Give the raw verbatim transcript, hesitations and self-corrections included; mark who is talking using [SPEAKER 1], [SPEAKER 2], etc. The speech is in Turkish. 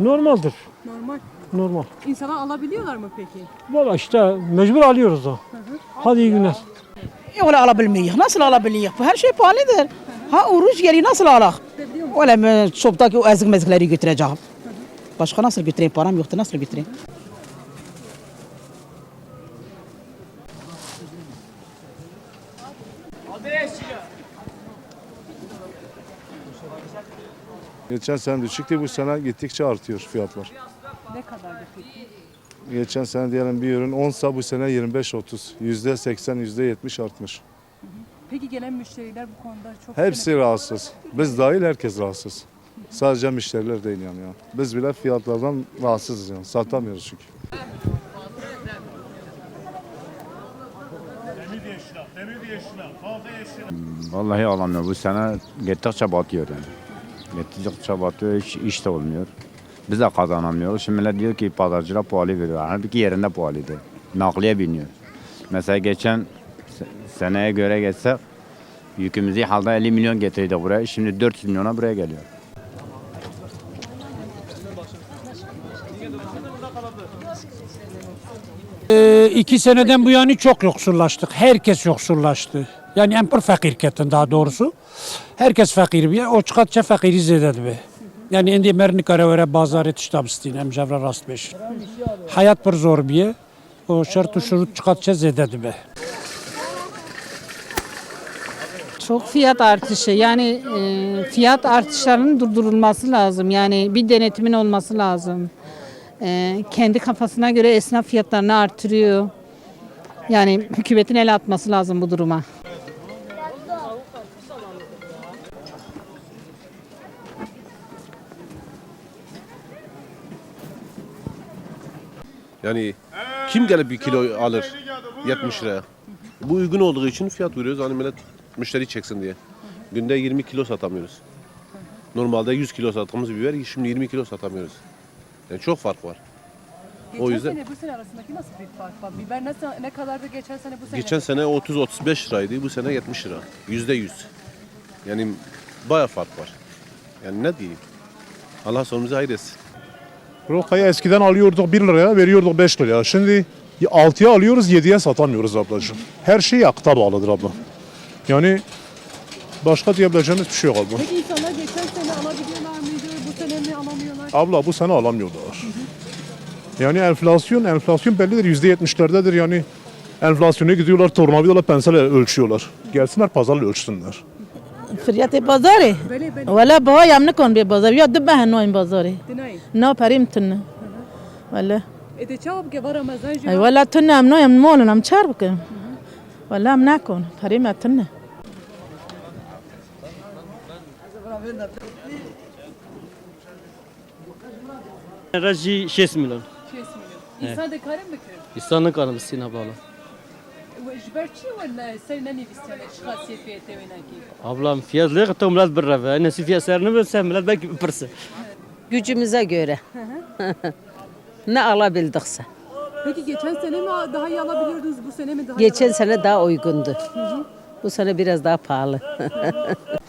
[SPEAKER 1] Normaldir.
[SPEAKER 2] Normal.
[SPEAKER 1] Normal.
[SPEAKER 2] İnsanlar alabiliyorlar mı peki?
[SPEAKER 1] Valla işte mecbur alıyoruz da. Hadi iyi günler.
[SPEAKER 3] Öyle alabiliyor. Nasıl alabiliyor? Her şey pahalıdır. Ha oruç geliyor nasıl alak? Öyle çöpteki o ezik mezikleri götüreceğim. Başka nasıl götüreyim? Param yoktu nasıl götüreyim?
[SPEAKER 4] Geçen sene düşüktü, bu sene gittikçe artıyor fiyatlar.
[SPEAKER 2] Ne kadardı peki?
[SPEAKER 4] Geçen sene diyelim bir ürün onsa bu sene yirmi beş otuz. yüzde seksen, yüzde yetmiş artmış.
[SPEAKER 2] Peki gelen müşteriler bu konuda çok...
[SPEAKER 4] Hepsi rahatsız. Biz dahil herkes rahatsız. Sadece müşteriler değil yani. ya. Biz bile fiyatlardan rahatsızız yani. Satamıyoruz çünkü.
[SPEAKER 5] Vallahi alamıyor. Bu sene gittikçe batıyor yani. Gittikçe batıyor, iş, iş de olmuyor. Biz de kazanamıyoruz. Şimdi millet diyor ki pazarcılar pahalı veriyor. Halbuki yerinde pahalıydı. Nakliye biniyor. Mesela geçen se- seneye göre geçsek yükümüzü halde elli milyon getirdi buraya. Şimdi dört yüz milyona buraya geliyor.
[SPEAKER 6] Ee, iki seneden bu yana çok yoksullaştık. Herkes yoksullaştı. Yani en pır fakir ketin daha doğrusu. Herkes fakir bir. O çıkartça fakiri zededi be. Yani indi merni karavere bazar etiştabıstin. Hem cevra rast beş. Hayat bir zor bir. O şartı şurut çıkartça zededi be.
[SPEAKER 7] Çok fiyat artışı yani e, fiyat artışlarının durdurulması lazım. Yani bir denetimin olması lazım. E, kendi kafasına göre esnaf fiyatlarını artırıyor. Yani hükümetin el atması lazım bu duruma.
[SPEAKER 8] Yani kim gelip bir kilo alır yetmiş liraya? Bu uygun olduğu için fiyat veriyoruz. Hani millet müşteri çeksin diye. Günde yirmi kilo satamıyoruz. Normalde yüz kilo sattığımız biber şimdi yirmi kilo satamıyoruz. Yani çok fark var.
[SPEAKER 2] Geçen
[SPEAKER 8] O yüzden
[SPEAKER 2] sene bu sene arasındaki nasıl bir fark var? Biber nasıl, ne kadardı geçen sene bu sene?
[SPEAKER 8] geçen sene otuz otuz beş liraydı. Bu sene yetmiş lira. Yüzde yüz. Yani bayağı fark var. Yani ne diyeyim? Allah sonumuzu hayır etsin.
[SPEAKER 9] Rokayı eskiden alıyorduk bir liraya, veriyorduk beş liraya. Şimdi altıya alıyoruz, yediye satamıyoruz ablacığım. Her şey yakıta bağlıdır abla. Yani başka diyebileceğimiz bir şey yok abla.
[SPEAKER 2] Peki insanlar geçen sene alabiliyorlar mıydı? Bu sene mi alamıyorlar?
[SPEAKER 9] Abla bu sene alamıyorlar. Yani enflasyon, enflasyon bellidir. Yüzde yetmişlerdedir yani. Enflasyona gidiyorlar, tornavidalarla pensel ölçüyorlar. Gelsinler pazarla ölçsünler.
[SPEAKER 3] Fiyat pazarı.
[SPEAKER 2] Böyle böyle.
[SPEAKER 3] Valla baba yamne kon bir pazar. Ya de ben no pazarı.
[SPEAKER 2] Dinay.
[SPEAKER 3] No parim tınne. Valla.
[SPEAKER 2] E de çabuk ki var Ramazan
[SPEAKER 3] Ay
[SPEAKER 2] jüva.
[SPEAKER 3] valla tınne am no yam molun am çarpık. Valla am nakon. Parim tınne.
[SPEAKER 10] Raji şes milyon.
[SPEAKER 2] şes milyon. İnsan da karın mı kır?
[SPEAKER 10] İstanbul kanı Sina bağlı.
[SPEAKER 2] Jberçi valla sen ne nefisene şahsiyet fiyatı venaki.
[SPEAKER 10] Ablam fiyatlı kıta millet bir rava. Nesi fiyat serini bilsen millet belki bir pırsı.
[SPEAKER 7] Gücümüze göre. Ne alabildikse.
[SPEAKER 2] Peki geçen sene mi daha iyi alabiliyordunuz bu sene mi daha iyi
[SPEAKER 7] Geçen sene daha uygundu. Bu sene biraz daha pahalı.